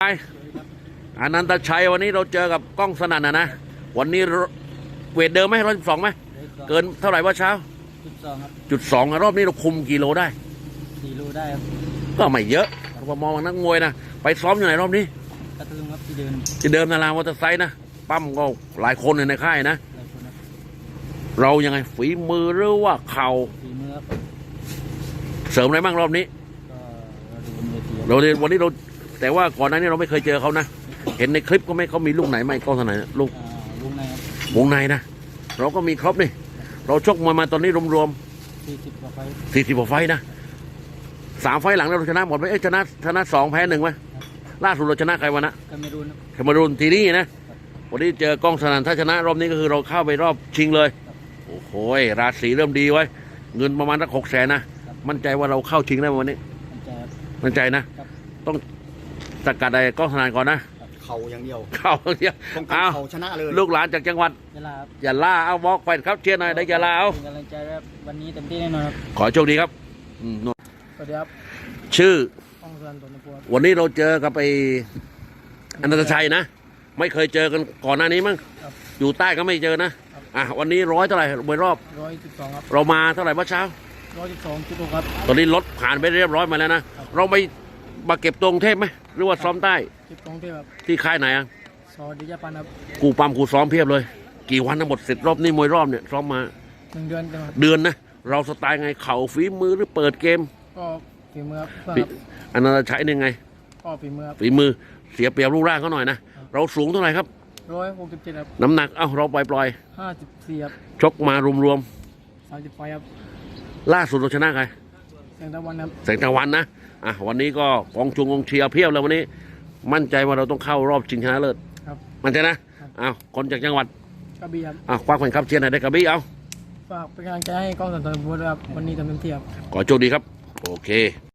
อนันตชัยวันนี้เราเจอกับกล้องสนั่นนะวันนี้เวทเดิมไหม112ไหมเกินเท่าไหร่ว่าเช้าจุดสองรอบนี้เราคุมกี่โลได้ 4 โลได้ครับก็ไม่เยอะพอมองนักมวยนะไปซ้อมอยู่ไหนรอบนี้กระตุ้งครับที่เดิมนารามอเตอร์ไซค์นะปั้มก็หลายคนในค่ายนะเรายังไงฝีมือหรือว่าเข่าฝีมือครับเสริมอะไรบ้างรอบนี้เราวันนี้เราแต่ว่าก่อนหน้านี้เราไม่เคยเจอเขานะเห็นในคลิปก็ไม่เขามีลูกไหนไม่กล้องไหนลูกวงในนะเราก็มีครบนี่เราชกมวยมาตอนนี้รวม 40 กว่าไฟ 40 กว่าไฟนะ3 ไฟหลังเราชนะหมดไหมชนะ2แพ้1ไหมล่าสุดเราชนะใครวะนะแคมารูนทีนี่นะวันนี้เจอกล้องสนั่นถ้าชนะรอบนี้ก็คือเราเข้าไปรอบชิงเลยโอ้โหราศีเริ่มดีไว้เงินประมาณสัก600,000นะมั่นใจว่าเราเข้าชิงได้วันนี้มั่นใจนะต้องสกัดอะไรกล้องสนั่นก่อนนะเข่าอย่างเดียวเข่าอย่างเดียวเอาชนะเลยลูกหลานจากจังหวัดยะลาเอาบอกไปครับเชียร์หน่อยได้ยะลาเอากำลังใจครับวันนี้เต็มที่แน่นอนครับขอโชคดีครับสวัสดีครับชื่อวันนี้เราเจอกับไอ้อนันตชัยนะไม่เคยเจอกันก่อนหน้านี้มั้งอยู่ใต้ก็ไม่เจอนะวันนี้100เท่าไหร่บนรอบ 112ครับเรามาเท่าไหร่เมื่อเช้า 112.6ครับตอนนี้รถผ่านไปเรียบร้อยมาแล้วนะเราไปมาเก็บตรงเทพไหมหรือว่าซ้อมใต้เก็บตรงเทพครับที่ค่ายไหนซอดิยาปันครับกูปั๊มกูซ้อมเพียบเลยกี่วันทั้งหมดเสร็จรอบนี้มวยรอบเนี่ยซ้อมมา 1 เดือนนะเราสไตล์ไงเข่าฝีมือหรือเปิดเกมก็ฝีมือครับอนันตชัยนี่ไงก็ฝีมือเสียเปรียบรูปร่างเขาหน่อยนะเราสูงเท่าไหร่ครับ 167ครับน้ำหนักเราปล่อย 54ครับชกมารวม 30 ไฟครับล่าสุดเราชนะใครแสงตะวันครับแสงตะวันนะวันนี้ก็กองเชียร์เพียบเลยวันนี้มั่นใจว่าเราต้องเข้ารอบชิงชนะเลิศครับมั่นใจนะคนจากจังหวัดกระบี่ครับคว้าแข่งขันเชียร์ไหนได้กระบี่ฝากเป็นกำลังใจให้กล้องสันติบุตรครับวันนี้ทำเต็มที่ครับขอโชคดีครับโอเค